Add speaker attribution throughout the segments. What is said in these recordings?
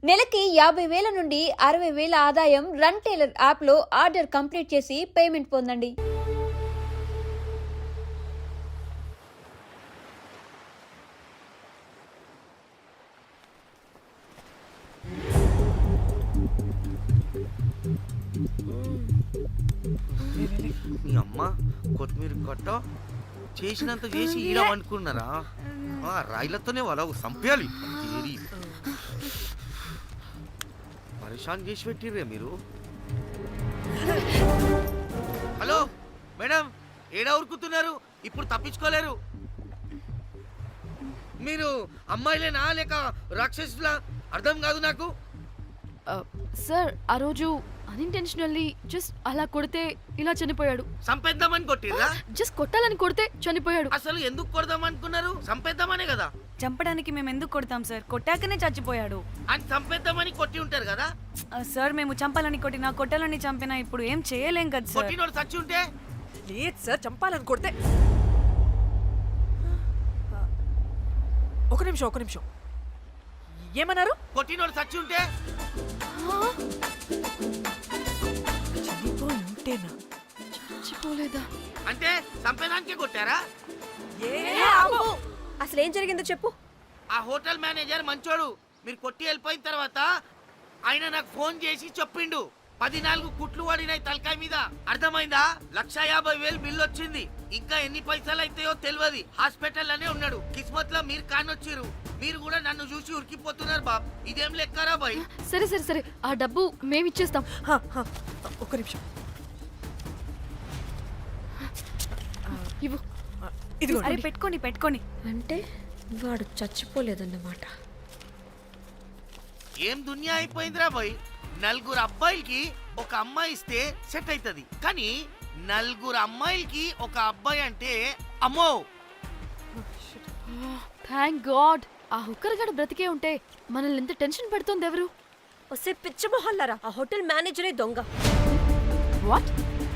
Speaker 1: నెలకి 50,000 నుండి 60,000 ఆదాయం రన్ టైలర్ యాప్లో ఆర్డర్ కంప్లీట్ చేసి పేమెంట్ పొందండి.
Speaker 2: మీ అమ్మ కొత్తిమీర కట్ట చేసినంత చేసి ఈడ అనుకున్నారా? రాయిలతోనే వాళ్ళ సంపేయాలి. పరేషాన్ చేసి పెట్టిర్రే మీరు. హలో మేడం, ఏడా ఉరుకుతున్నారు? ఇప్పుడు తప్పించుకోలేరు. మీరు అమ్మాయిలేనా లేక రాక్షసులా? అర్థం కాదు నాకు.
Speaker 3: సార్ ఆ రోజు అన్ఇంటెన్షనల్లీ జస్ట్ అలా కొడితే ఇలా చనిపోయాడు.
Speaker 2: సంపేద్దామని కొట్టిర్రా?
Speaker 3: జస్ట్ కొట్టాలని కొడితే చనిపోయాడు.
Speaker 2: అసలు ఎందుకు కొడదాం అనుకున్నారు? సంపేద్దామనే కదా.
Speaker 4: చంపడానికి మేము ఎందుకు కొడతాం సార్? కొట్టాకనే చచ్చిపోయాడు.
Speaker 2: అని సంపేద్దామని కొట్టి ఉంటారు కదా
Speaker 4: సార్. మేము చంపాలని కొట్టినా కొట్టాలని చంపినా ఇప్పుడు ఏం చేయలేం కదా సార్.
Speaker 2: కొట్టినోడు చచ్చి ఉంటే?
Speaker 5: లేదు సార్, చంపాలని కొడితే. ఒక నిమిషం ఏమన్నారు?
Speaker 2: కొట్టినోడు చచ్చి ఉంటే?
Speaker 5: చనిపోయి ఉంటేనా?
Speaker 3: చచ్చిపోలేదా?
Speaker 2: అంటే సంపేదానికే కొట్టారా?
Speaker 6: అసలు ఏం జరిగిందో చెప్పు.
Speaker 2: ఆ హోటల్ మేనేజర్ మంచోడు. మీరు కొట్టి వెళ్ళిపోయిన తర్వాత ఆయన నాకు ఫోన్ చేసి చెప్పిండు 14 కుట్లు పడినాయి తలకాయ మీద. అర్థమైందా? 150,000 బిల్లు వచ్చింది. ఇంకా ఎన్ని పైసలు అయితాయో తెలియదు. హాస్పిటల్ అనే ఉన్నాడు. కిస్మత్ లో మీరు కానొచ్చిరు. మీరు కూడా నన్ను చూసి ఉరికిపోతున్నారు బాబ్. ఇదేం లెక్కరా బాయ్?
Speaker 3: సరే ఆ డబ్బు మేమిచ్చేస్తాం.
Speaker 5: ఒక నిమిషం.
Speaker 3: ఇవ్వు.
Speaker 5: ఇదిగో.
Speaker 4: అరే పెట్టుకోండి.
Speaker 6: అంటే వాడు చచ్చిపోలేదన్నమాట.
Speaker 2: ఏం దునియా అయిపోయిందిరా బాయ్. 4 అబ్బాయిలకి ఒక అమ్మాయి ఇస్తే సెట్ అవుతుంది, కానీ 4 అమ్మాయిలకి ఒక అబ్బాయి అంటే అమ్మో.
Speaker 3: థ్యాంక్ గాడ్ ఆ హుక్కర్ గడ బ్రతికే ఉంటే మనల్ని ఎంత టెన్షన్ పెడుతుంది ఎవరు?
Speaker 6: వస్తే పిచ్చ మొహల్లారా, ఆ హోటల్ మేనేజరే దొంగ.
Speaker 3: వాట్?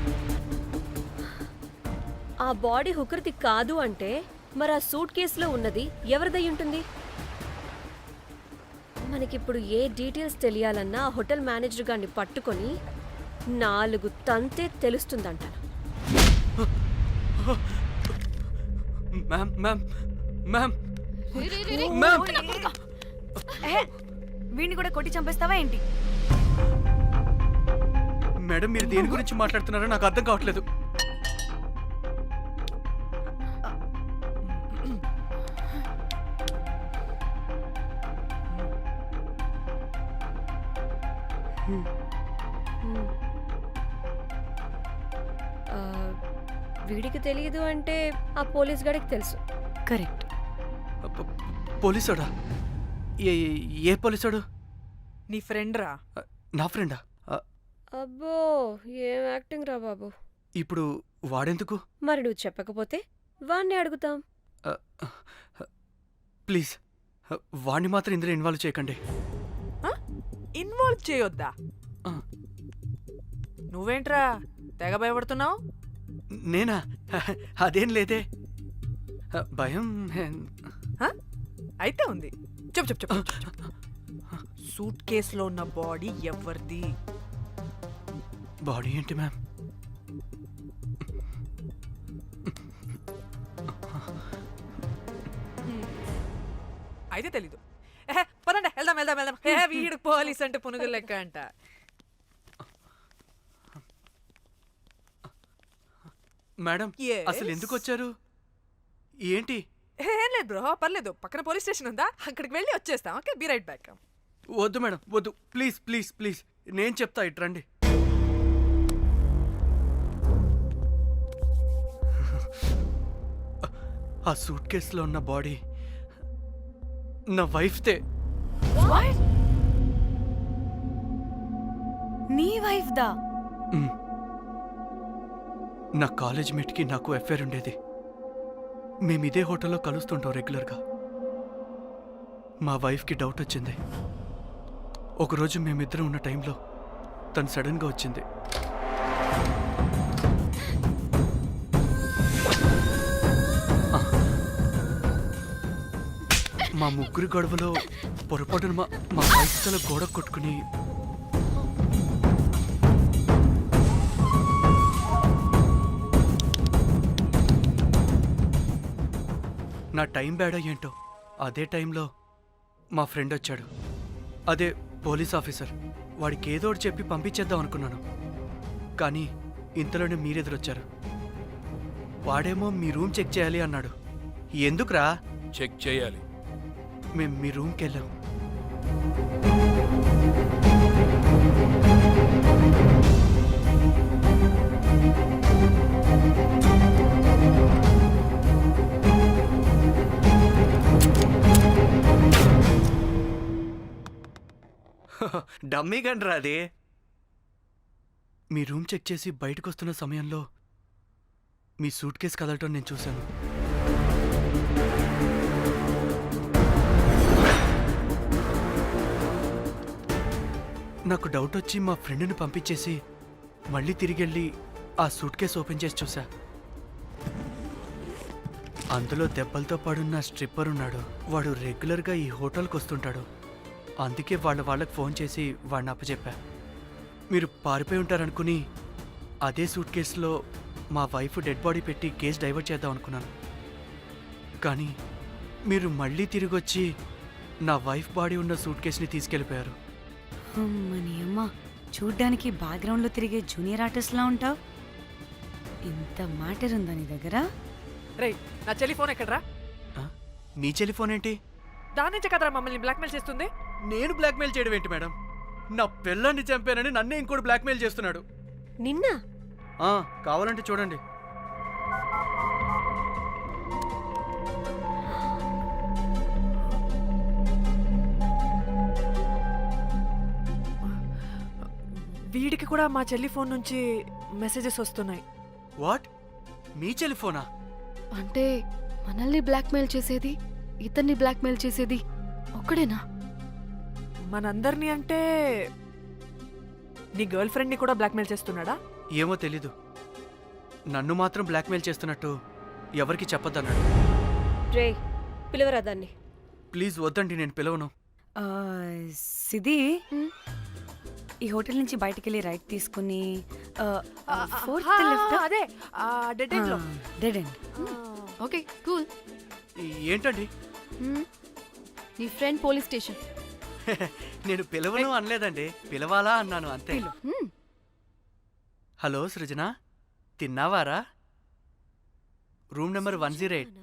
Speaker 6: ఆ బాడీ హుకర్ది కాదు అంటే మరి ఆ సూట్ కేసులో ఉన్నది ఎవరిదై ఉంటుంది? మనకిప్పుడు ఏ డీటెయిల్స్ తెలియాలన్నా ఆ హోటల్ మేనేజర్ గారిని పట్టుకొని 4 తంతే తెలుస్తుందంట.
Speaker 4: వీడిని కూడా కొట్టి చంపేస్తావా ఏంటి?
Speaker 7: మేడం, మీరు దేని గురించి మాట్లాడుతున్నారో నాకు అర్థం కావట్లేదు.
Speaker 6: వీడికి తెలియదు అంటే ఆ పోలీస్ గాడికి తెలుసు.
Speaker 4: కరెక్ట్.
Speaker 7: పోలీసోడా? ఏ పోలీసోడు?
Speaker 5: నీ ఫ్రెండ్ రా.
Speaker 7: నా ఫ్రెండా?
Speaker 6: అబ్బో, ఏం యాక్టింగ్ రా బాబు.
Speaker 7: ఇప్పుడు వాడెందుకు?
Speaker 6: మరి నువ్వు చెప్పకపోతే వాణ్ణి అడుగుతాం.
Speaker 7: ప్లీజ్ వాణ్ణి మాత్రం ఇందులో ఇన్వాల్వ్ చేయకండి.
Speaker 5: ఇన్వాల్వ్ చేయొద్దా?
Speaker 7: ఆ.
Speaker 5: నువ్వేంట్రా తెగ భయపడుతున్నావు?
Speaker 7: నేనా? అదేం లేదే. భయం
Speaker 5: అయితే ఉంది. చెప్పు. సూట్ కేసులో ఉన్న బాడీ ఎవరిది?
Speaker 7: బాడీ ఏంటి మ్యామ్?
Speaker 5: అయితే తెలీదు. పదండి వెళ్దాం. వీడు పోలీస్ అంటే పునుగులు లెక్క అంట.
Speaker 7: మేడం, అసలు ఎందుకు వచ్చారు? ఏంటి?
Speaker 5: ఏం లేదు బ్రో, పర్లేదు. పక్కన పోలీస్ స్టేషన్ ఉందా, అక్కడికి వెళ్ళి వచ్చేస్తాం. Okay, be right back.
Speaker 7: వద్దు మేడం, వద్దు. ప్లీజ్ నేను చెప్తా, ఇట్రండి. ఆ సూట్ కేసులో ఉన్న బాడీ నా వైఫ్తే.
Speaker 4: నీ వైఫ్ దా?
Speaker 7: నా కాలేజ్ మేట్కి నాకు అఫేర్ ఉండేది. మేము ఇదే హోటల్లో కలుస్తుంటాం రెగ్యులర్గా. మా వైఫ్కి డౌట్ వచ్చింది. ఒకరోజు మేమిద్దరం ఉన్న టైంలో తను సడన్గా వచ్చింది. మా ముగ్గురి గొడవలో పొరపాటున మా వైఫ్ తల గోడ కొట్టుకుని నా టైం బ్యాడ్ ఏంటో అదే టైంలో మా ఫ్రెండ్ వచ్చాడు. అదే పోలీస్ ఆఫీసర్. వాడికి ఏదో ఒకటి చెప్పి పంపించేద్దాం అనుకున్నాను, కానీ ఇంతలోనే మీరెదురొచ్చారు. వాడేమో మీ రూమ్ చెక్ చేయాలి అన్నాడు. ఎందుకురా?
Speaker 8: చెక్ చేయాలి.
Speaker 7: మేము మీ రూమ్కి వెళ్ళాం. డమ్మీ గండ్రా అది. మీ రూమ్ చెక్ చేసి బయటకు వస్తున్న సమయంలో మీ సూట్ కేసు కదలటం నేను చూశాను. నాకు డౌట్ వచ్చి మా ఫ్రెండ్ని పంపించేసి మళ్ళీ తిరిగెళ్ళి ఆ సూట్ కేసు ఓపెన్ చేసి చూసా. అందులో దెబ్బలతో పడున్న స్ట్రిప్పర్ ఉన్నాడు. వాడు రెగ్యులర్గా ఈ హోటల్కి వస్తుంటాడు. అందుకే వాళ్ళకి ఫోన్ చేసి వాడిని అప్పచెప్పా. మీరు పారిపోయి ఉంటారనుకుని అదే సూట్ కేసులో మా వైఫ్ డెడ్ బాడీ పెట్టి కేసు డైవర్ట్ చేద్దాం అనుకున్నాను. కానీ మీరు మళ్ళీ తిరిగి వచ్చి నా వైఫ్ బాడీ ఉన్న సూట్ కేసుని తీసుకెళ్ళిపోయారు.
Speaker 4: అమ్మని అమ్మ, చూడ్డానికి బ్యాక్గ్రౌండ్లో తిరిగే జూనియర్ ఆర్టిస్ట్లా ఉంటావు. ఇంత మ్యాటర్ ఉందా నీ దగ్గర?
Speaker 5: రేయ్, నా చెల్లి ఫోన్ ఎక్కడరా?
Speaker 7: ఆ? మీ టెలిఫోన్ ఏంటి?
Speaker 5: దాని నుంచే కదరా మమ్మల్ని బ్లాక్మెయిల్ చేస్తుంది.
Speaker 7: నేను బ్లాక్మెయిల్ చేయడం ఏంటి మేడం? నా పిల్లాన్ని చంపానని నన్నే ఇంకోటి బ్లాక్మెయిల్ చేస్తున్నాడు.
Speaker 6: నిన్న
Speaker 7: కావాలంటే చూడండి.
Speaker 5: వీడికి కూడా మా చెల్లి ఫోన్ నుంచి మెసేజెస్ వస్తున్నాయి.
Speaker 7: వాట్? మీ టెలిఫోనా?
Speaker 3: అంటే మనల్ని బ్లాక్మెయిల్ చేసేది, ఇతన్ని బ్లాక్మెయిల్ చేసేది ఒక్కడేనా?
Speaker 5: మనందరినీ అంటే నీ గర్ల్ ఫ్రెండ్ని కూడా బ్లాక్మెయిల్ చేస్తున్నాడా?
Speaker 7: ఏమో తెలీదు. నన్ను మాత్రం బ్లాక్మెయిల్ చేస్తున్నట్టు ఎవరికి చెప్పొద్దన్నాడు.
Speaker 6: రే, పిలవరా దాన్ని.
Speaker 7: ప్లీజ్ వద్దండి, నేను పిలవను.
Speaker 4: ఆ, సిది, ఈ హోటల్ నుంచి బయటికి వెళ్ళి రైట్ తీసుకుని ఫోర్త్ లెఫ్ట్.
Speaker 5: అదే డెడ్ ఎండ్ లో.
Speaker 4: Dead end.
Speaker 3: Okay, cool.
Speaker 7: ఏంటండి?
Speaker 3: నీ ఫ్రెండ్ పోలీస్ స్టేషన్.
Speaker 7: నేను పిలవను అనలేదండి, పిలవాలా అన్నాను అంతే.
Speaker 3: హ్మ్.
Speaker 7: హలో సృజన, తిన్నావారా? Room number 108.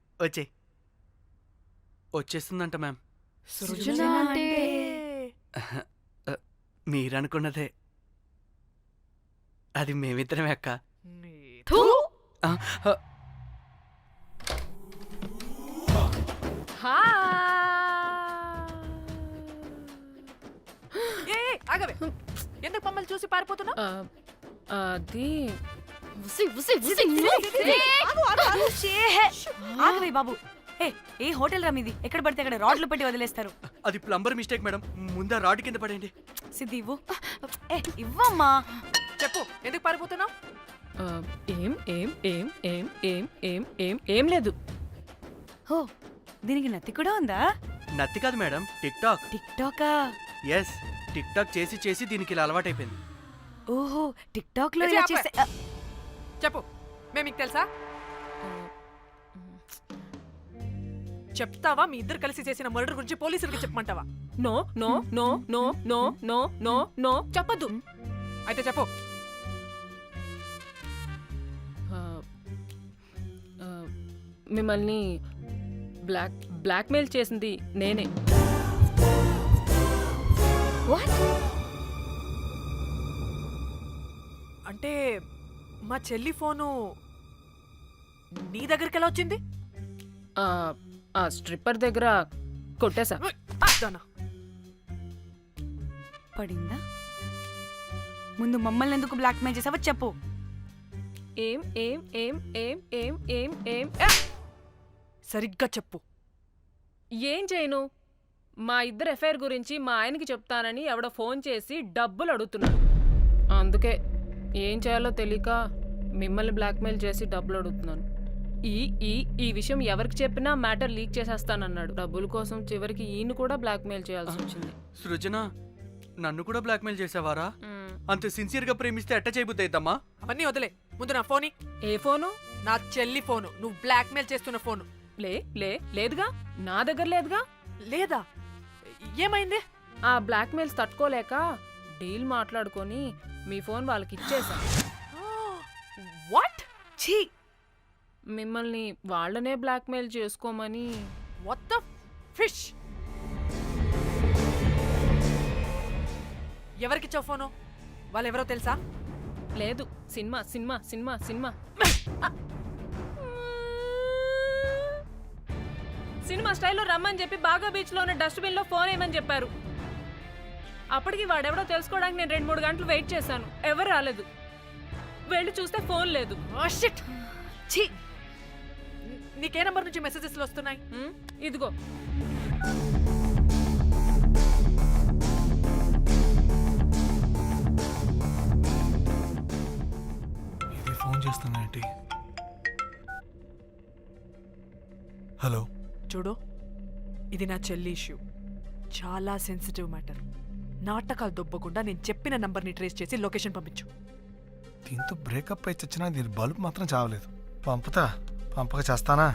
Speaker 7: వచ్చేస్తుందంట మ్యామ్.
Speaker 3: సృజన అంటే
Speaker 7: మీరనుకున్నదే. అది మేమిద్దరమే అక్క.
Speaker 3: థూ!
Speaker 7: ఆ,
Speaker 5: ఆగవే, ఎందుకు మమ్మల్ని చూసి పారిపోతున్నా?
Speaker 3: అది
Speaker 4: ఆగవే బాబు. ఏ హోటల్ రా మీది? ఎక్కడ పడితే అక్కడ రాడ్లు పెట్టి వదిలేస్తారు.
Speaker 7: అది ప్లంబర్ మిస్టేక్ మేడం. ముందా రాడ్ కింద పడేయండి.
Speaker 4: సిద్ధి ఇవ్వు. ఇవ్వమ్మా.
Speaker 5: చెప్పు, ఎందుకు పారిపోతున్నావు?
Speaker 9: ఏం ఏం ఏం ఏం ఏం ఏం ఏం ఏం లేదు.
Speaker 4: హో, దీనికి నత్తి కూడా ఉందా?
Speaker 7: నత్తి కాదు మేడం, టిక్ టాక్.
Speaker 4: టిక్ టాకా?
Speaker 7: ఎస్, టిక్ టాక్ చేసి చేసి దీనికి ఇలా అలవాటైపోయింది.
Speaker 4: ఓహో, టిక్ టాక్ లో ఇలా చేస్తే
Speaker 5: చెప్పు, మేము మీకు తెలుసా? చెప్తావా? మీ ఇద్దరు కలిసి చేసిన మర్డర్ గురించి పోలీసులకి చెప్పమంటావా?
Speaker 9: No no no no no no no no చెప్పద్దు.
Speaker 5: అయితే చెప్పు.
Speaker 9: మిమ్మల్ని బ్లాక్మెయిల్ చేసింది నేనే.
Speaker 5: అంటే మా చెల్లి ఫోను నీ దగ్గరికి ఎలా వచ్చింది?
Speaker 9: ఆ స్ట్రిప్పర్ దగ్గర కొట్టేశా.
Speaker 4: పడిందా? ముందు మమ్మల్ని ఎందుకు బ్లాక్మెయిల్ చేసావో చెప్పు.
Speaker 9: ఏం ఏం ఏం ఏం ఏం ఏం ఏం
Speaker 5: సరిగ్గా చెప్పు.
Speaker 9: ఏం చేయను? మా ఇద్దరు ఎఫ్ఐఆర్ గురించి మా ఆయనకి చెప్తానని ఎవడో ఫోన్ చేసి డబ్బులు అడుగుతున్నాడు. అందుకే ఏం చేయాలో తెలియక మిమ్మల్ని బ్లాక్మెయిల్ చేసి డబ్బులు అడుగుతున్నాను. ఈ ఈ ఈ విషయం ఎవరికి చెప్పినా మ్యాటర్ లీక్ చేసేస్తానన్నాడు. డబ్బుల కోసం చివరికి ఈయన కూడా బ్లాక్మెయిల్ చేయాల్సి వచ్చింది.
Speaker 7: సృజన నన్ను కూడా బ్లాక్మెయిల్ చేసావారా?
Speaker 9: మ్,
Speaker 7: అంత సిన్సియర్ గా ప్రేమిస్తే ఎట్ట చేయబుద్ది అయిద్దమ్మా?
Speaker 5: అవన్నీ వదిలే, ముందు నా ఫోన్
Speaker 9: ఏ ఫోను?
Speaker 5: నా చెల్లి ఫోను, నువ్వు బ్లాక్మెయిల్ చేస్తున్న ఫోను.
Speaker 9: లేదుగా, నా దగ్గర లేదుగా.
Speaker 5: లేదా? ఏమైంది?
Speaker 9: ఆ బ్లాక్మెయిల్స్ తట్టుకోలేక డీల్ మాట్లాడుకొని మీ ఫోన్ వాళ్ళకి ఇచ్చేసా.
Speaker 5: వాట్? ఛీ,
Speaker 9: మిమ్మల్ని వాళ్ళనే బ్లాక్మెయిల్ చేసుకోమని.
Speaker 5: What the fish? ఎవరికిచ్చావు ఫోను? వాళ్ళెవరో తెలుసా?
Speaker 9: లేదు, cinema cinema cinema cinema cinema స్టైల్లో రమ్మని చెప్పి బాగా బీచ్లో ఉన్న డస్ట్బిన్లో ఫోన్ వేయమని చెప్పారు. అప్పటికి వాడెవడో తెలుసుకోవడానికి నేను 2-3 గంటలు వెయిట్ చేశాను. ఎవరు రాలేదు. వెళ్ళి చూస్తే ఫోన్ లేదు.
Speaker 5: Oh, shit. ఛీ, నీకే నంబర్ నుంచి మెసేజెస్లు వస్తున్నాయి?
Speaker 9: ఇదిగో.
Speaker 8: ఇది ఫోన్ చేస్తానేంటి? హలో,
Speaker 5: చూడు, ఇది నా చెల్లి ఇష్యూ. చాలా సెన్సిటివ్ మ్యాటర్. నాటకాలు దొబ్బకుండా నేను చెప్పిన నంబర్ని ట్రేస్ చేసి లొకేషన్ పంపించు.
Speaker 8: దీంతో బ్రేకప్ అయి చచ్చినా దీని బల్బ్ మాత్రం చావలేదు. పంపక చేస్తానా?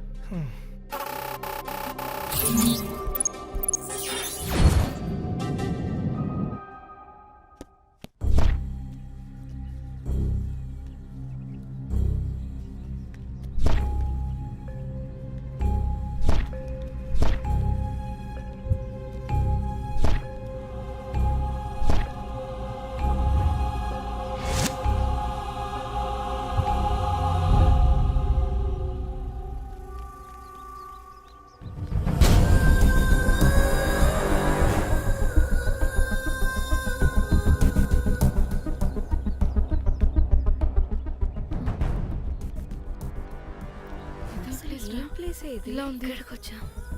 Speaker 6: ఏం ప్లేస్ ఇది?
Speaker 3: ఇలా ఉంది. ఇక్కడికి వచ్చా.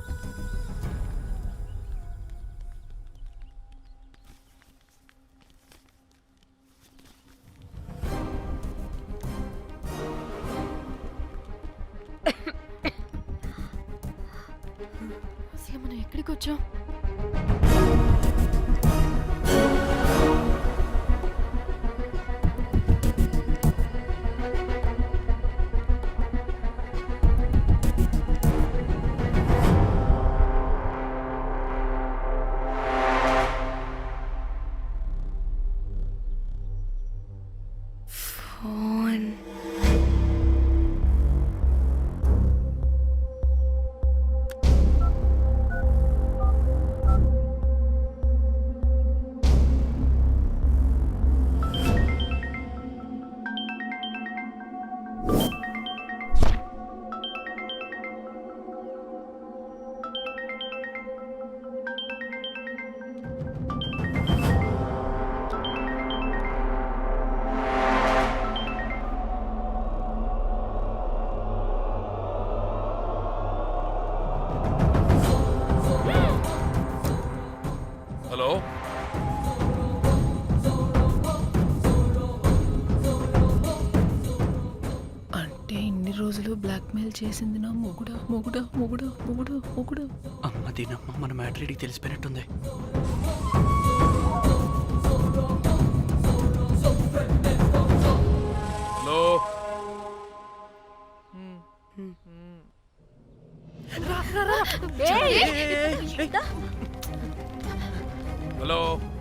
Speaker 3: అసలు మనం ఎక్కడికి వచ్చాం?
Speaker 4: ఫోన్.
Speaker 10: హలో,
Speaker 9: అంటే ఇన్ని రోజులు బ్లాక్మెయిల్ చేసింది నా మొగుడా మొగుడా మొగుడా మొగుడా మొగుడా.
Speaker 7: అమ్మ దీనమ్మ, మన మ్యాట్రీడికి తెలిసిపోయినట్టుంది.
Speaker 10: Hello, hello.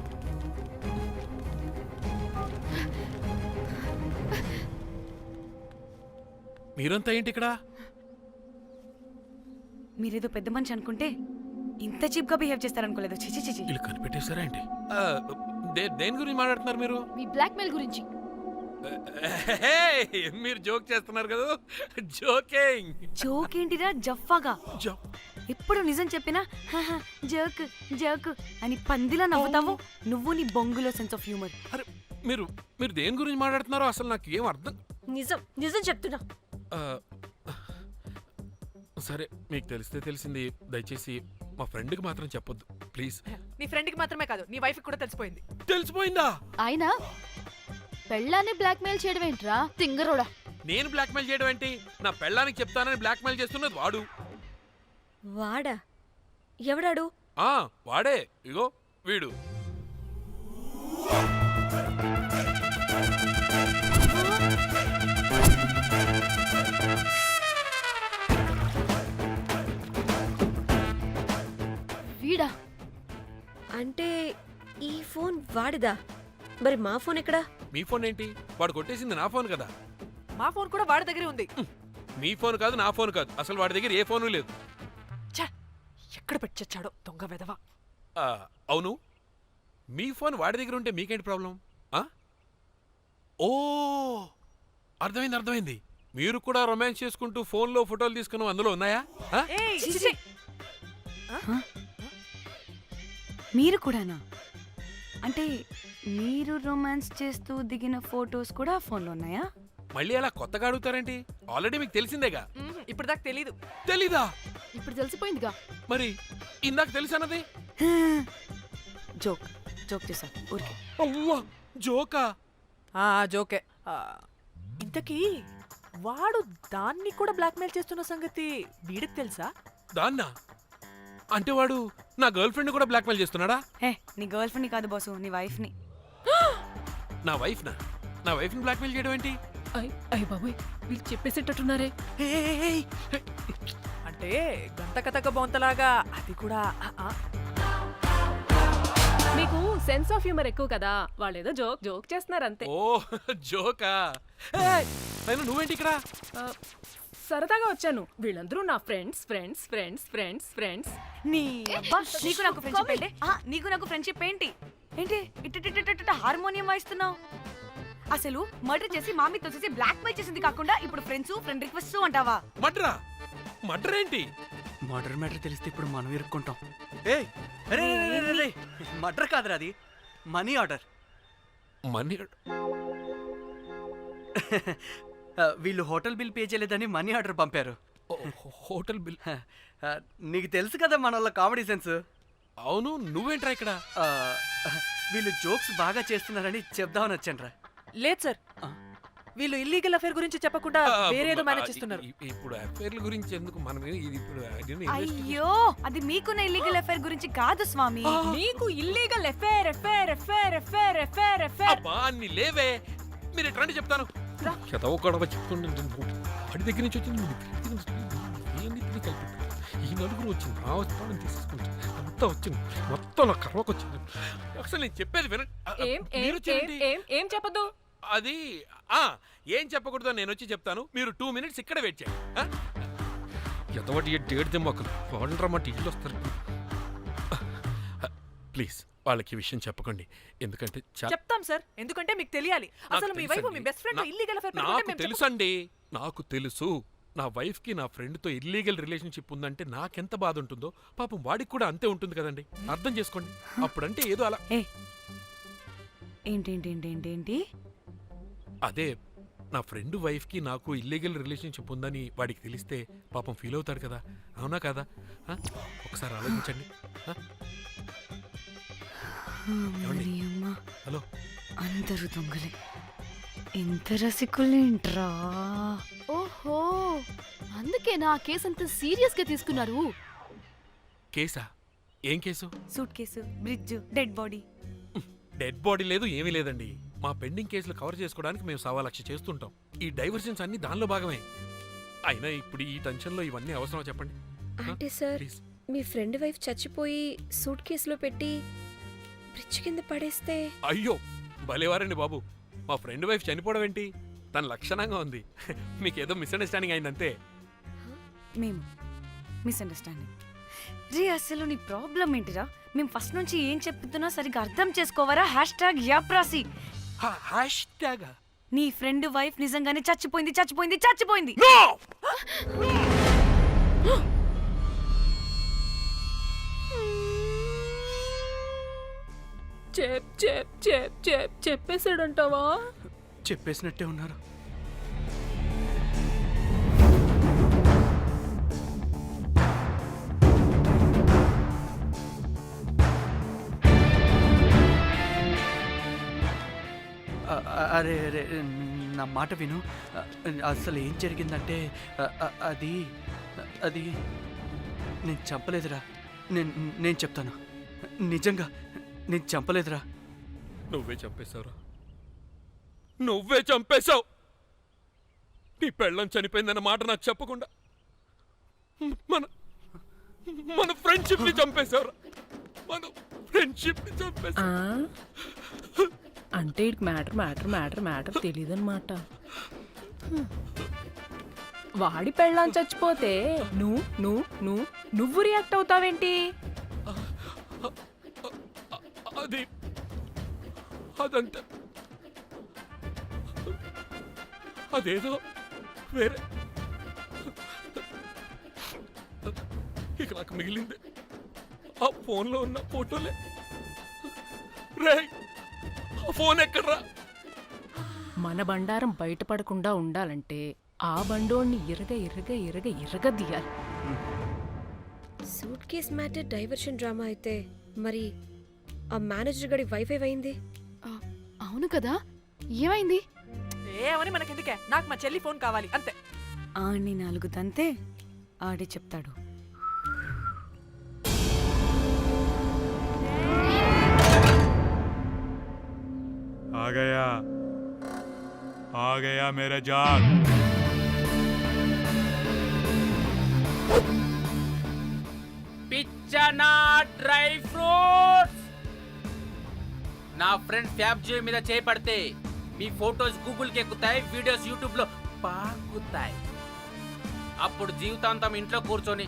Speaker 10: మీరంతా ఏంటి ఇక్కడ?
Speaker 4: మీరేదో పెద్ద మనిషి అనుకుంటే ఇంత చీప్ గా బిహేవ్ చేస్తారనుకోలేదు. చిచి చిచి.
Speaker 10: వీళ్ళు కనిపెట్టేశారా ఏంటి? దేని గురించి మాట్లాడుతున్నారు మీరు?
Speaker 3: మీ బ్లాక్మెయిల్ గురించి.
Speaker 10: మీరు జోక్ చేస్తున్నారు కదా? జోకింగ్.
Speaker 4: జోక్ ఏంటిరా జఫ్ఫాగా? ఎప్పుడు నిజం చెప్పినా జోక్ జోక్ అని పందిలా నవ్వుతావు. నువ్వు నీ బొంగులో సెన్స్ ఆఫ్ హ్యూమర్.
Speaker 10: అరే, మీరు మీరు దేని గురించి మాట్లాడుతున్నారో అసలు నాకు ఏం అర్థం.
Speaker 6: నిజం చెప్తున్నా.
Speaker 10: ఆ, సరే, మీకు తెలిస్తే తెలిసింది. దయచేసి మా ఫ్రెండ్కి మాత్రం చెప్పొద్దు ప్లీజ్.
Speaker 5: నీ ఫ్రెండ్కి మాత్రమే కాదు, నీ వైఫ్కి కూడా తెలిసిపోయింది.
Speaker 10: తెలిసిపోయిందా?
Speaker 3: ఆయన పెళ్ళాన్ని బ్లాక్మెయిల్ చేయడం ఏంట్రా తింగరోడా?
Speaker 10: నేను బ్లాక్మెయిల్ చేయడం ఏంటి? నా పెళ్ళానికి చెప్తానని బ్లాక్మెయిల్ చేస్తున్నది వాడు.
Speaker 6: వాడా? ఎవడాడు?
Speaker 10: వాడే, ఇగో వీడు.
Speaker 3: వీడా?
Speaker 6: అంటే ఈ ఫోన్ వాడిదా? మరి మా ఫోన్ ఎక్కడా?
Speaker 10: మీ ఫోన్ ఏంటి? వాడు కొట్టేసింది నా ఫోన్ కదా.
Speaker 5: మా ఫోన్ కూడా వాడి దగ్గరే ఉంది.
Speaker 10: మీ ఫోన్ కాదు, నా ఫోన్ కాదు, అసలు వాడి దగ్గర ఏ ఫోను లేదు.
Speaker 5: ఛ! ఎక్కడ పెట్టొచ్చాడో దొంగ వెధవ.
Speaker 10: అవును, మీ ఫోన్ వాడి దగ్గర ఉంటే మీకేంటి ప్రాబ్లం? ఓ, అర్థమైంది. మీరు కూడా రొమాన్స్ చేసుకుంటూ ఫోన్లో ఫోటోలు తీసుకుని అందులో ఉన్నాయా?
Speaker 5: ఏయ్, చిచి!
Speaker 4: మీరు కూడానా? అంటే మీరు రొమాన్స్ చేస్తూ దిగిన ఫొటోస్ కూడా ఫోన్లో ఉన్నాయా?
Speaker 10: మళ్ళీ అలా కొత్తగా అడుగుతారేంటి? ఆల్రెడీ మీకు తెలిసిందేగా.
Speaker 5: ఇప్పుడు దాకా తెలీదు.
Speaker 10: తెలీదా?
Speaker 3: ఇప్పుడు తెలిసిపోయిందిగా.
Speaker 10: మరి ఇందాక తెలిసన్నది?
Speaker 4: జోక్ జోక్ చేశా ఊరికే.
Speaker 10: అవ్వా, జోకా?
Speaker 5: జోకే. ఇంతకీ వాడు దాన్ని కూడా బ్లాక్మెయిల్ చేస్తున్న సంగతి వీడికి తెలుసా?
Speaker 10: దాన్నా? అంటే వాడు నా గర్ల్ ఫ్రెండ్ కూడా బ్లాక్మెయిల్ చేస్తున్నాడా?
Speaker 4: నీ గర్ల్ ఫ్రెండ్ని కాదు బాసు, నీ వైఫ్ని.
Speaker 10: నా వైఫ్ని బ్లాక్మెయిల్ చేయడం ఏంటి?
Speaker 9: అయ్య బాబోయ్, వీళ్ళు చెప్పేసేటట్టున్నారే.
Speaker 5: అంటే గంట కథక బొంతలాగా అది కూడా.
Speaker 9: మీకు సెన్స్ ఆఫ్ హ్యూమర్ ఎక్కువ కదా, వాళ్ళేదో జోక్ చేస్తున్నారు అంతే.
Speaker 10: ఓ, జోకా? అయినా నువ్వేంటి ఇక్కడ?
Speaker 9: సరదాగా వచ్చాను. వీళ్ళందరూ నా ఫ్రెండ్స్.
Speaker 4: నీకు నాకు ఫ్రెండ్షిప్ ఏంటి? నీకు నాకు ఫ్రెండ్షిప్ ఏంటి? ఏంటి ఇట్ట హార్మోనియం వాయిస్తున్నావు? అసలు మర్డర్ చేసి మామితో చేసి బ్లాక్ మెయిల్ చేసింది కాకుండా ఇప్పుడు ఫ్రెండ్ రిక్వెస్ట్ అంటావా?
Speaker 10: మర్డర్ ఏంటి?
Speaker 7: మర్డర్ మ్యాటర్ తెలిస్తే ఇప్పుడు మనం ఇరుక్కుంటాం. మర్డర్ కాదురా, అది మనీ ఆర్డర్.
Speaker 10: మనీ?
Speaker 7: వీళ్ళు హోటల్ బిల్ పే చేయలేదని మనీ ఆర్డర్ పంపారు.
Speaker 10: Hotel bill?
Speaker 7: నీకు తెలుసు కదా మన వాళ్ళ కామెడీ సెన్స్.
Speaker 10: అవును, నువ్వేంట్రా ఇక్కడ?
Speaker 7: వీళ్ళు జోక్స్ బాగా చేస్తున్నారని చెప్దామని వచ్చాను రా.
Speaker 5: లేదు సార్, వీళ్ళు ఇల్లీగల్ అఫేర్ గురించి చెప్పకుండా వేరేదో మేనేజ్ చేస్తున్నారు.
Speaker 10: ఇప్పుడు అఫేర్ల గురించి ఎందుకు మనం ఇది ఇప్పుడు
Speaker 4: అయ్యో, అది మీకున్న ఇల్లీగల్ అఫేర్ గురించి కాదు స్వామి.
Speaker 9: మీకు ఇల్లీగల్ ఎఫేర్.
Speaker 10: అబ్బా, అన్ని లేవే. మీరు ఎట్లాంటి చెప్తాను చదవకూడదు చెప్తుండే వాడి దగ్గర నుంచి వచ్చింది. ఈ నలుగురు వచ్చింది, ఆ వస్తాను తీసుకుంటుంది, అంతా వచ్చింది, మొత్తం నా కర్మకు వచ్చింది. అసలు నేను చెప్పేది వినండి.
Speaker 9: ఏం చెప్పదు?
Speaker 10: అది ఏం చెప్పకూడదో నేను వచ్చి చెప్తాను. మీరు 2 minutes ఇక్కడ వెయిట్ చేయండి. ఎంతవాటి డేట్ దిమ్మకలు వాళ్ళరా మా టీవీలో వస్తారు. ప్లీజ్ వాళ్ళకి విషయం చెప్పకండి, ఎందుకంటే
Speaker 5: చెప్తాం సార్, ఎందుకంటే మీకు తెలియాలి. అసలు మీ వైఫ్ మీ బెస్ట్ ఫ్రెండ్ ఇల్లీగల్ అఫేర్
Speaker 10: నాకు తెలుసండి, నాకు తెలుసు. నా వైఫ్ కి నా ఫ్రెండ్ తో ఇల్లీగల్ రిలేషన్షిప్ ఉందంటే నాకెంత బాధ ఉంటుందో పాపం వాడికి కూడా అంతే ఉంటుంది కదండి. అర్థం చేసుకోండి. అప్పుడంటే ఏదో అలా.
Speaker 4: ఏంటి?
Speaker 10: అదే నా ఫ్రెండ్ వైఫ్ కి నాకు ఇల్లీగల్ రిలేషన్షిప్ ఉందని వాడికి తెలిస్తే పాపం ఫీల్ అవుతాడు కదా, అవునా కదా? ఒకసారి ఆలోచించండి. హలో,
Speaker 4: అందరూ దొంగలే, ఎంత రసికులేంట్రా.
Speaker 3: ఓహో, అందుకే నా కేసు అంత సీరియస్ గా తీసుకున్నారు.
Speaker 10: కేసా? ఏం case?
Speaker 4: Suitcase, bridge, dead body.
Speaker 10: Dead body లేదు, ఏమీ లేదండి. మా పెండింగ్ కేసులు కవర్ చేసుకోవడానికి మేము 1,00,000 చేస్తుంటాం. ఈ డైవర్షన్స్ అన్ని దానిలో భాగమే. అయినా ఇప్పుడు ఈ టెన్షన్లో ఇవన్నీ అవసరమా చెప్పండి?
Speaker 6: అంటే సార్, మీ ఫ్రెండ్ వైఫ్ చచ్చిపోయి సూట్ కేసులో పెట్టి బ్రిడ్జ్ కింద పడేస్తే?
Speaker 10: అయ్యో, భలేవారండి బాబు. మా ఫ్రెండ్ వైఫ్ చనిపోవడం ఏంటి? తన లక్షణంగా ఉంది. మీకేదో మిస్అండర్స్టాండింగ్ అయిందంతే.
Speaker 4: మేము మిస్అండర్స్టాండింగ్ రీ. అసలు నీ ప్రాబ్లం ఏంటిరా? మేము ఫస్ట్ నుంచి ఏం చెప్తున్నా సరిగ్గా అర్థం చేసుకోవరా? #యాప్రాసి. నీ ఫ్రెండ్ వైఫ్ నిజంగానే చచ్చిపోయింది.
Speaker 9: చెప్పేసాడంటావా?
Speaker 7: చెప్పేసినట్టే ఉన్నారు. అరే నా మాట విను. అసలు ఏం జరిగిందంటే అది అది నేను చంపలేదురా. నేను చెప్తాను, నిజంగా నేను చంపలేదురా.
Speaker 10: నువ్వే చంపేశావురా, నువ్వే చంపేశావు. నీ పెళ్ళం చనిపోయిందన్న మాట నాకు చెప్పకుండా మన మన ఫ్రెండ్షిప్ ని చంపేశావురా, మన ఫ్రెండ్షిప్ ని చంపేశావు.
Speaker 9: అంటే ఇటు మ్యాటర్ తెలియదన్నమాట. వాడి పెళ్ళాం చచ్చిపోతే నువ్వు రియాక్ట్ అవుతావేంటి?
Speaker 10: అదంతా అదేదో వేరే. ఇక నాకు మిగిలింది ఆ ఫోన్లో ఉన్న ఫోటోలే. రే, ఆ ఫోన్ ఎక్కడ్రా?
Speaker 9: మన బండారం బయటపడకుండా ఉండాలంటే ఆ బండోడిని ఇరగ తీయాలి.
Speaker 6: Suitcase matter diversion drama అయితే మరి ఆ మేనేజర్ గడి వైఫై అయింది.
Speaker 3: అవును కదా, ఏమైంది?
Speaker 5: ఏమని మనకెందుకే, నాకు మా చెల్లి ఫోన్ కావాలి అంతే.
Speaker 4: ఆడిని 4 తంతే ఆడే చెప్తాడు.
Speaker 11: आ गया मेरा जान.
Speaker 2: పిచ్చనా డ్రై ఫ్రూట్స్. నా ఫ్రెండ్ ఫ్యాబ్ జే మీద చేపడితే మీ ఫోటోస్ గూగుల్కి ఎక్కుతాయి, వీడియోస్ యూట్యూబ్ లో పాకుతాయి. అప్పుడు జీవితాంతం ఇంట్లో కూర్చొని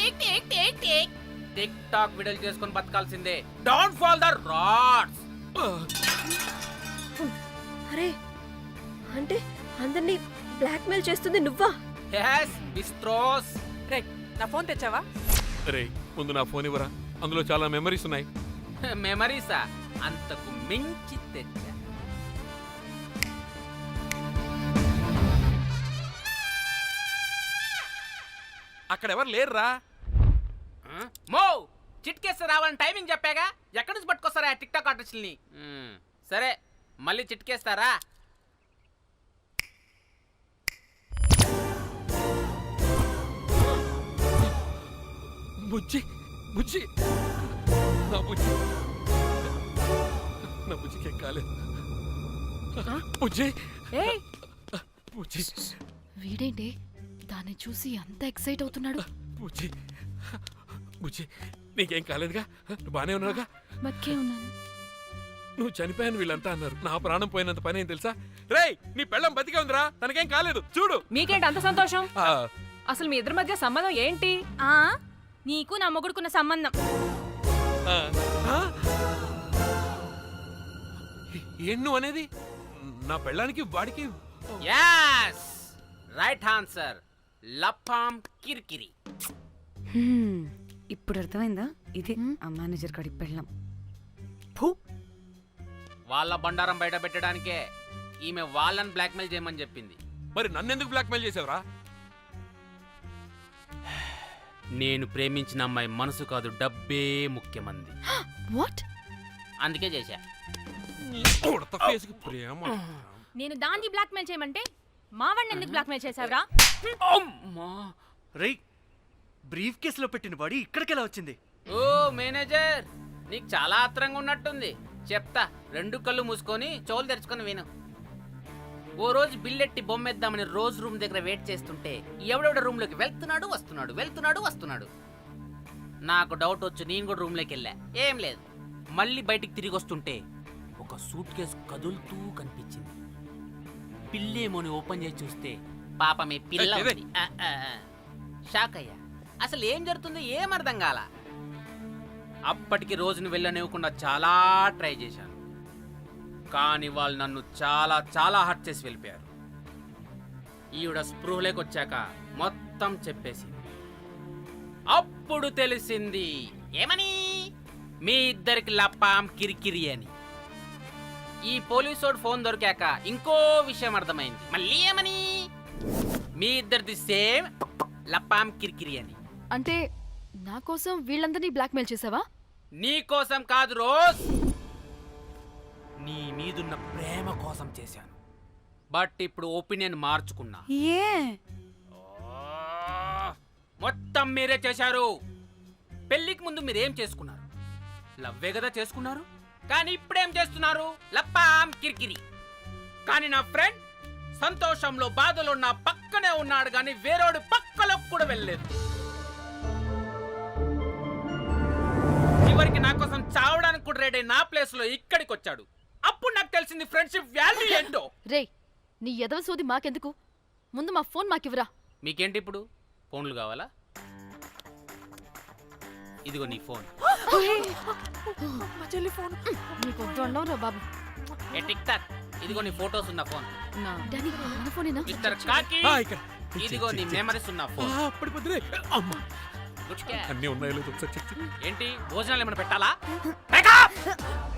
Speaker 2: టిక్ టాక్ వీడియోలు చేసుకొని బతకాల్సిందే. Don't fall the rods.
Speaker 6: అరే అంటే అందరినీ బ్లాక్మెయిల్ చేస్తుంది నువ్వా?
Speaker 2: yes బిస్ట్రోస్.
Speaker 5: రే, నా ఫోన్ తెచ్చావా?
Speaker 10: రే, ముందు నా ఫోన్ ఇవ్వరా, అందులో చాలా మెమరీస్ ఉన్నాయి.
Speaker 2: మెమరీసా? అంతకు మించి తెచ్చా.
Speaker 10: అక్కడ ఎవరు లేరురా.
Speaker 2: మో చిట్కేస్తే రావాలని టైమింగ్ చెప్పాగా, ఎక్కడి నుంచి పట్టుకొస్తారా టిక్ టాక్ ఆర్టిస్టుల్ని? సరే, మళ్ళీ చిట్కేస్తారా?
Speaker 10: బుజ్జి బుజ్జి నా బుజ్జి, నా బుజ్జికి ఏం కాలేదు. బుజ్జి బుజ్జి.
Speaker 3: వీడేంటి దాన్ని చూసి అంత ఎక్సైట్ అవుతున్నాడు?
Speaker 10: బుజ్జి బుజ్జి, నీకేం కాలేదుగా? నువ్వు బానే ఉన్నావుగా?
Speaker 3: బతికే ఉన్నాను.
Speaker 10: నువ్వు చనిపోయాను వీళ్ళంతా అన్నారు. నా ప్రాణం పోయినంత పని ఏం తెలుసా? రేయ్, నీ పెళ్ళం బతికే ఉందిరా, తనకేం కాలేదు. చూడు.
Speaker 9: మీకేంటి అంత సంతోషం?
Speaker 10: ఆ,
Speaker 9: అసలు మీ ఇద్దరి మధ్య సంబంధం ఏంటి?
Speaker 4: నీకు నా మొగుడుకున్న సంబంధం.
Speaker 10: ఆ, ఆ? ఏం నువ్వు అనేది? నా పెళ్ళానికి వాడికి
Speaker 2: yes రైట్ ఆన్సర్. లపాం కిరికిరి.
Speaker 4: ఇప్పుడు అర్థమైందా? ఇది ఆ మేనేజర్ గడి పెళ్ళం.
Speaker 2: వాళ్ళ బండారం బయట పెట్టడానికే ఈమె వాళ్ళని బ్లాక్మెయిల్ చేయమని చెప్పింది.
Speaker 10: మరి నన్నెందుకు బ్లాక్మెయిల్ చేసావురా?
Speaker 2: నేను ప్రేమించిన అమ్మాయి మనసు కాదు, డబ్బే ముఖ్యమంది.
Speaker 3: వాట్?
Speaker 2: అందుకే చేశా.
Speaker 10: ఉడత ఫేస్కి ప్రేమ.
Speaker 4: నేను దాన్ని బ్లాక్మెయిల్ చేయమంటే మావాడిని ఎందుకు బ్లాక్మెయిల్ చేసావురా?
Speaker 7: రేయ్, బ్రీఫ్ కేసులో పెట్టిన బాడీ ఇక్కడికెలా వచ్చింది?
Speaker 2: ఓ మేనేజర్, నీకు చాలా ఆత్రంగా ఉన్నట్టుంది. చెప్తా, 2 కళ్ళు మూసుకొని చెవులు తెరుచుకొని విను. ఓ రోజు బిల్లెట్టి బొమ్మేద్దామని రోజు రూమ్ దగ్గర వెయిట్ చేస్తుంటే ఎవడెవడ రూమ్లోకి వెళ్తున్నాడు. నాకు డౌట్ వచ్చి నేను కూడా రూమ్లోకి వెళ్ళా. ఏం లేదు. మళ్ళీ బయటికి తిరిగి వస్తుంటే ఒక సూట్ కేసు కదులుతూ కనిపించింది. పిల్లేమోని ఓపెన్ చేసి చూస్తే పాపమే పిల్ల ఉంది. షాక్ అయ్యా. అసలు ఏం జరుగుతుందో ఏం అర్థం కాల. అప్పటికి రోజును వెళ్ళనివ్వకుండా చాలా ట్రై చేశాను, కానీ వాళ్ళు నన్ను చాలా చాలా హర్ట్ చేసి వెళ్ళిపోయారు. ఈవిడ స్పృహలోకి వచ్చాక మొత్తం చెప్పేసింది. అప్పుడు తెలిసింది ఏమని, మీ ఇద్దరికి లపాం కిరికిరి అని. ఈ పోలీసోడు ఫోన్ దొరికాక ఇంకో విషయం అర్థమైంది. మళ్ళీ ఏమని, మీ ఇద్దరిది సేమ్ లపాం కిరికిరి అని.
Speaker 3: అంటే నా కోసం వీళ్ళందరినీ బ్లాక్మెయిల్ చేసావా?
Speaker 2: నీ కోసం కాదు రోజ్, నీ మీదున్న ప్రేమ కోసం చేశాను.
Speaker 12: బట్ ఇప్పుడు ఒపీనియన్ మార్చుకున్నా.
Speaker 4: ఏ
Speaker 12: మొత్తం మీరే చేశారు. పెళ్లికి ముందు మీరేం చేసుకున్నారు? లవ్వే కదా చేసుకున్నారు. కానీ ఇప్పుడేం చేస్తున్నారు? లప్పాం కిరికిరి. కానీ నా ఫ్రెండ్ సంతోషంలో బాధలో నా పక్కనే ఉన్నాడు, కానీ వేరేడు పక్కలో కూడా వెళ్ళలేదు. చివరికి నా కోసం చావడానికి కూడా రెడీ నా ప్లేస్ లో ఇక్కడికి వచ్చాడు. అప్పుడు నాకు తెలిసింది ఫ్రెండ్షిప్ వాల్యూ ఏంటో.
Speaker 3: రేయ్ నీ ఎదవ సోది మాకెందుకు? ముందు మా ఫోన్ మాకివ్వరా.
Speaker 12: మీకేంటి ఇప్పుడు ఫోన్లు కావాలా? ఇదిగో నీ ఫోన్.
Speaker 5: మా చెల్లి ఫోన్.
Speaker 3: నీకు దండం రా బాబు.
Speaker 12: ఏ టిక్ టాక్, ఇదిగో నీ ఫోటోస్ ఉన్న ఫోన్.
Speaker 3: డానీ మన ఫోనేనా?
Speaker 12: మిస్టర్ కాకి,
Speaker 10: ఇక్కడ
Speaker 12: ఇదిగో నీ మెమరీస్ ఉన్న ఫోన్.
Speaker 10: పడిపోతుంది. అమ్మా
Speaker 12: గుడ్ క్యాచ్.
Speaker 10: అన్నీ ఉన్నాయో లేదో ఒకసారి చెక్ చెయ్యి.
Speaker 12: ఏంటి భోజనాలు ఏమైనా పెట్టాలా?